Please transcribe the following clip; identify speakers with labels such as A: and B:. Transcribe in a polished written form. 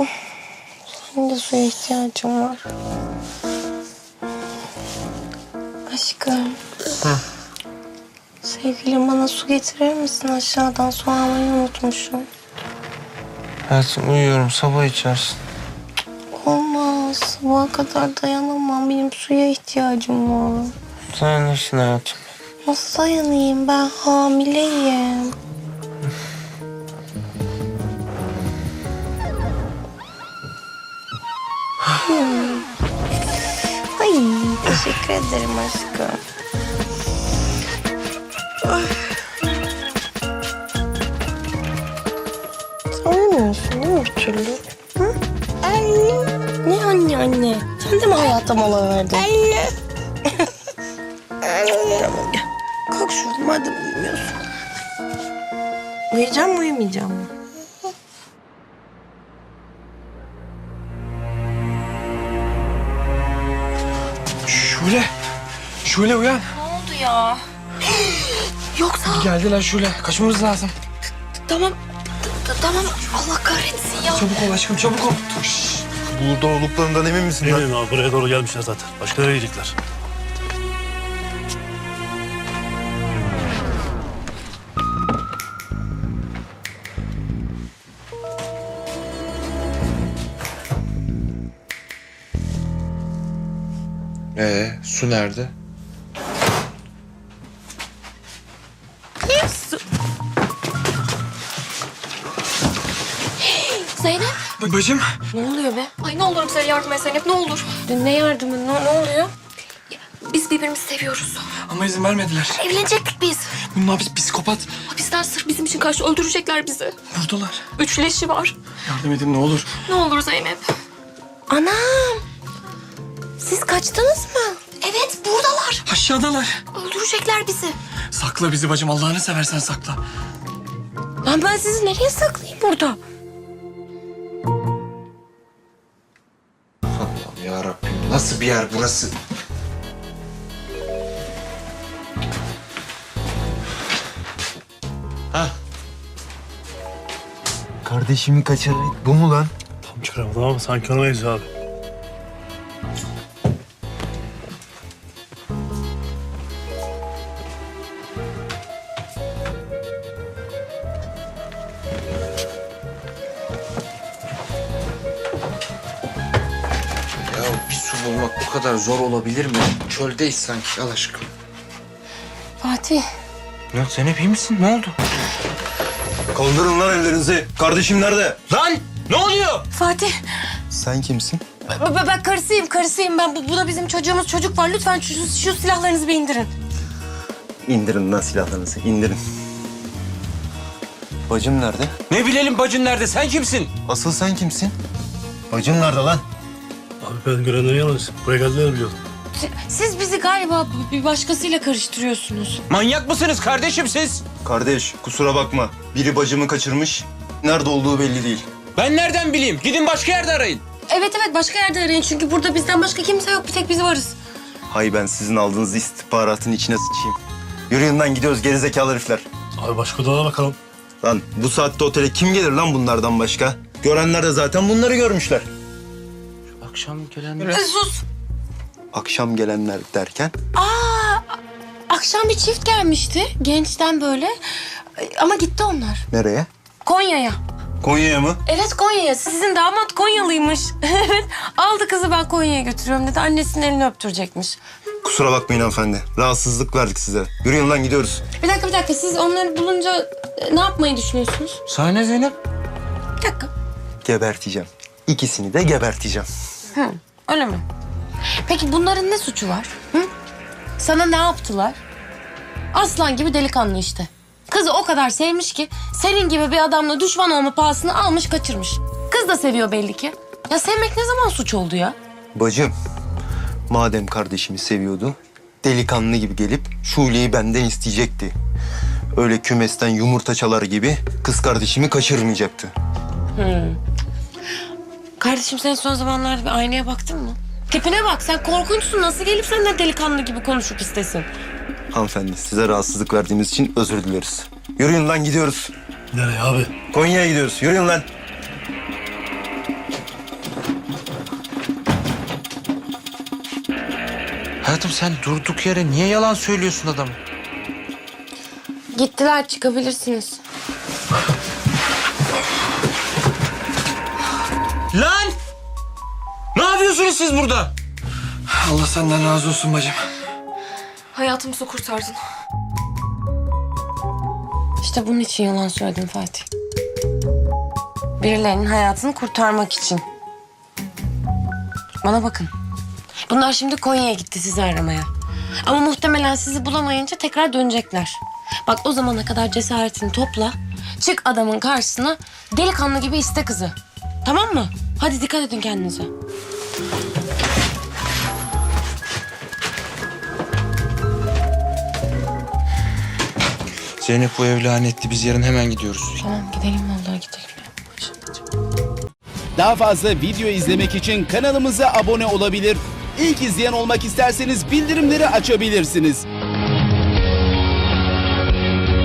A: Benim de suya ihtiyacım var. Aşkım.
B: Hı.
A: Sevgilim bana su getirir misin aşağıdan? Su almayı unutmuşum.
B: Hayatım uyuyorum, sabah içersin.
A: Olmaz. Sabaha kadar dayanamam. Benim suya ihtiyacım var.
B: Dayanırsın hayatım.
A: Nasıl dayanayım? Ben hamileyim. Ay, teşekkür ederim aşkım. Sen uyumuyorsun değil mi bir türlü? Hı? Anne. Ne anne? Sen de mi hayata mola verdin? Anne. Tamam gel. Kalk şuradan madem uyumuyorsun. Uyuyacağım mı uyumayacağım mı?
B: Şule uyan.
A: Ne oldu ya? Yoksa...
B: Geldiler Şule, kaçmamız lazım.
A: Tamam. Tamam. Allah kahretsin ya.
B: Çabuk ol aşkım, çabuk ol.
C: Burada olduklarından emin misin lan?
D: Eminim abi, buraya doğru gelmişler zaten. Başka nereye gidecekler?
C: Su nerede?
A: Zeynep.
B: Bacım.
A: Ne oluyor be?
E: Ay ne olur bize yardım et Zeynep, ne olur.
A: Ne yardımı? Ne oluyor?
E: Biz birbirimizi seviyoruz.
B: Ama izin vermediler.
E: Evlenecektik biz.
B: Bunlar psikopat.
E: Hapisler sırf bizim için karşı öldürecekler bizi.
B: Buradalar.
E: 3 leşi var.
B: Yardım edin ne olur.
E: Ne olur Zeynep.
A: Anam. Siz kaçtınız mı?
E: Evet buradalar.
B: Aşağıdalar.
E: Öldürecekler bizi.
B: Sakla bizi bacım, Allah'ını seversen sakla.
A: Lan ben sizi nereye saklayayım burada?
C: Allah'ım yarabbim, nasıl bir yer burası?
F: Kardeşimi kaçıran bu mu lan?
D: Tam çıkaramadım ama sanki ona benziyor abi.
C: Ya bir su bulmak bu kadar zor olabilir mi? Çöldeyiz sanki, al aşkım.
A: Fatih.
B: Ya Zeynep iyi misin? Ne oldu?
F: Kaldırın lan ellerinizi. Kardeşim nerede?
B: Lan! Ne oluyor?
A: Fatih.
F: Sen kimsin?
A: Ben karısıyım ben. Bu da bizim çocuğumuz. Çocuk var. Lütfen şu silahlarınızı bir indirin.
F: İndirin lan silahlarınızı, indirin. Bacım nerede?
B: Ne bilelim bacın nerede? Sen kimsin?
F: Asıl sen kimsin? Bacım nerede lan?
D: Abi ben görenleri yalnız. Buraya geldiler biliyorum.
A: Siz bizi galiba bir başkasıyla karıştırıyorsunuz.
B: Manyak mısınız kardeşim siz?
F: Kardeş, kusura bakma. Biri bacımı kaçırmış. Nerede olduğu belli değil.
B: Ben nereden bileyim? Gidin başka yerde arayın.
A: Evet başka yerde arayın. Çünkü burada bizden başka kimse yok. Bir tek biz varız.
F: Hay ben sizin aldığınız istihbaratın içine sıçayım. Yürüyün lan, gidiyoruz gerizekalı herifler.
D: Abi başka odana bakalım.
F: Lan bu saatte otele kim gelir lan bunlardan başka? Görenler de zaten bunları görmüşler.
B: Akşam gelenler...
A: Sus.
F: Akşam gelenler derken?
A: Akşam bir çift gelmişti. Gençten böyle. Ama gitti onlar.
F: Nereye?
A: Konya'ya.
F: Konya'ya mı?
A: Evet Konya'ya. Sizin damat Konyalıymış. Evet. Aldı kızı ben Konya'ya götürüyorum dedi. Annesinin elini öptürecekmiş.
F: Kusura bakmayın hanımefendi. Rahatsızlık verdik size. Yürüyün lan, gidiyoruz.
A: Bir dakika. Siz onları bulunca ne yapmayı düşünüyorsunuz?
B: Sahne Zeynep.
A: Bir dakika.
F: Geberteceğim. İkisini de geberteceğim.
A: Öyle mi? Peki bunların ne suçu var? Hı? Sana ne yaptılar? Aslan gibi delikanlı işte. Kızı o kadar sevmiş ki senin gibi bir adamla düşman olma pahasını almış kaçırmış. Kız da seviyor belli ki. Ya sevmek ne zaman suç oldu ya?
F: Bacım, madem kardeşimi seviyordu, delikanlı gibi gelip Şule'yi benden isteyecekti. Öyle kümesten yumurta çalar gibi kız kardeşimi kaçırmayacaktı.
A: Kardeşim sen son zamanlarda bir aynaya baktın mı? Tipine bak, sen korkunçsun. Nasıl gelip senden delikanlı gibi konuşup istesin?
F: Hanımefendi, size rahatsızlık verdiğimiz için özür dileriz. Yürüyün lan, gidiyoruz.
D: Nereye abi?
F: Konya'ya gidiyoruz. Yürüyün lan.
C: Hayatım sen durduk yere niye yalan söylüyorsun adama?
A: Gittiler, çıkabilirsiniz.
B: Lan! Ne yapıyorsunuz siz burada?
C: Allah senden razı olsun bacım.
E: Hayatımızı kurtardın.
A: İşte bunun için yalan söyledim Fatih. Birilerinin hayatını kurtarmak için. Bana bakın. Bunlar şimdi Konya'ya gitti sizi aramaya. Ama muhtemelen sizi bulamayınca tekrar dönecekler. Bak o zamana kadar cesaretini topla. Çık adamın karşısına, delikanlı gibi iste kızı. Tamam mı? Hadi dikkat edin kendinize.
C: Zeynep bu ev lanetli. Biz yarın hemen gidiyoruz.
A: Tamam gidelim vallahi gidelim.
G: Daha fazla video izlemek için kanalımıza abone olabilir. İlk izleyen olmak isterseniz bildirimleri açabilirsiniz.